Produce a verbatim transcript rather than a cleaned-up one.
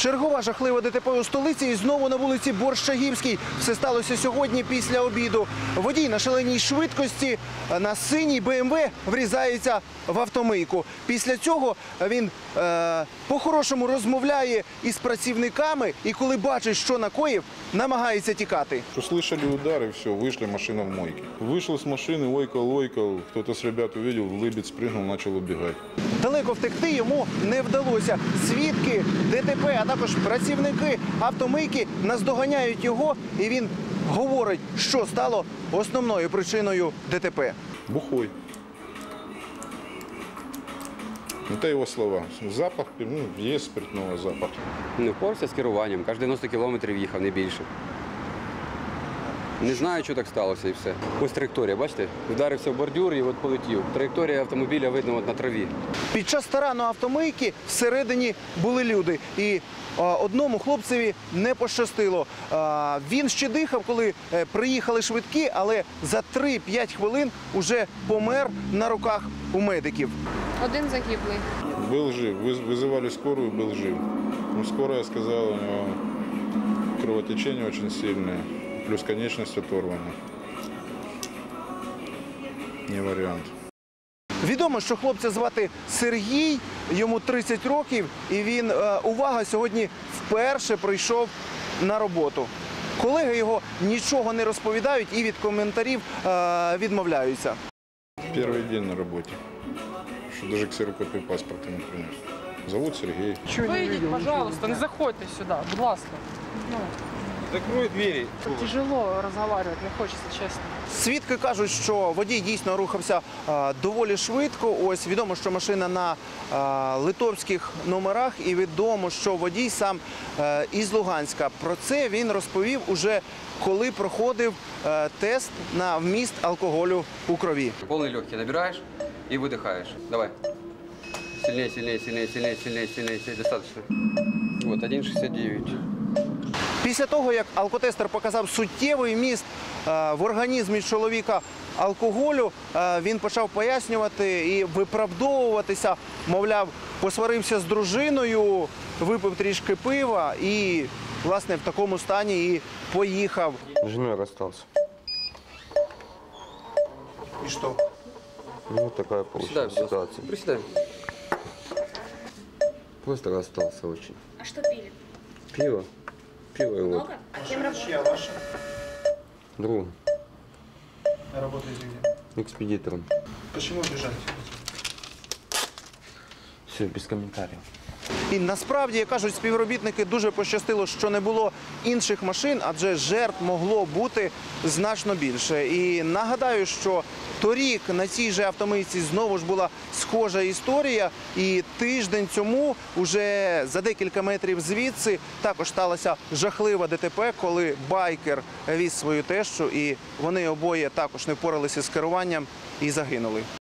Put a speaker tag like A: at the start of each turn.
A: Чергова жахлива ДТП у столиці і знову на вулиці Борщагівській. Все сталося сьогодні після обіду. Водій на шаленій швидкості на синій Бе Ем Ве врізається в автомийку. Після цього він е, по-хорошому розмовляє із працівниками і коли бачить, що накоїв, намагається тікати.
B: Услышали удар и все, вышли, машина в мойке. Вышел с машины, ойкал, ойкал, кто-то с ребят увидел, лыбец спрыгнул, начал убегать.
A: Далеко втекти йому не вдалося. Свідки ДТП, а також працівники автомийки наздоганяють його, і він говорить, що стало основною причиною ДТП.
B: Бухой. Это его слова. Запах, ну, есть спиртного запах.
C: Не впорався з керуванням, кожні дев'яносто кілометрів їхав, не більше. Не знаю, що так сталося і все. Ось траєкторія, бачите? Вдарився в бордюр і от полетів. Траєкторія автомобіля видно от на траві.
A: Під час тарану автомийки всередині були люди. І а, одному хлопцеві не пощастило. А, він ще дихав, коли е, приїхали швидкі, але за три-п'ять хвилин уже помер на руках у медиків.
D: Один загиблий.
B: Был жив. Выз- Вызывали скорую, был жив. Ну, скорая сказала, у него кровотечение очень сильное, плюс конечность оторвана. Не вариант.
A: Відомо, що хлопця звати Сергій, йому тридцять років, і він, е, увага, сьогодні вперше прийшов на роботу. Колеги його нічого не розповідають і від коментарів е, відмовляються.
B: Первый день на работе. Что даже ксерокопию паспорта не принес. Зовут Сергей.
E: Вийдіть, пожалуйста, не заходьте сюди, будь ласка. Ну,
F: Закрой двери.
E: тяжело розмовляти, не хочеться, чесно.
A: Свідки кажуть, що водій дійсно рухався а, доволі швидко. Ось відомо, що машина на а, литовських номерах, і відомо, що водій сам а, із Луганська. Про це він розповів уже, коли проходив а, тест на вміст алкоголю у крові.
C: Повний легкий набираєш і видихаєш. Давай. Сильніше, сильніше, сильніше, сильніше, сильніше, сильніше. Достатньо. Вот, один шістдесят дев'ять.
A: Після того, як алкотестер показав суттєвий вміст е, в організмі чоловіка алкоголю, е, він почав пояснювати і виправдовуватися, мовляв, посварився з дружиною, випив трішки пива і, власне, в такому стані і поїхав.
F: С женой расстался.
A: І що?
F: Ну, такая
C: Присідай,
F: получилась
C: будь ласка.
F: ситуация.
C: Присідай.
F: Просто расстался очень.
G: А что пили?
F: Пиво. Пиво и вот.
G: Много? Кем работали?
A: ваша?
F: Другом.
A: Работаете где?
F: Экспедитором.
A: Почему бежать?
F: Все, без комментариев.
A: І насправді, як кажуть співробітники, дуже пощастило, що не було інших машин, адже жертв могло бути значно більше. І нагадаю, що торік на цій же автомийці знову ж була схожа історія. І тиждень тому, уже за декілька метрів звідси, також сталося жахливе ДТП, коли байкер віз свою тещу, і вони обоє також не впоралися з керуванням і загинули.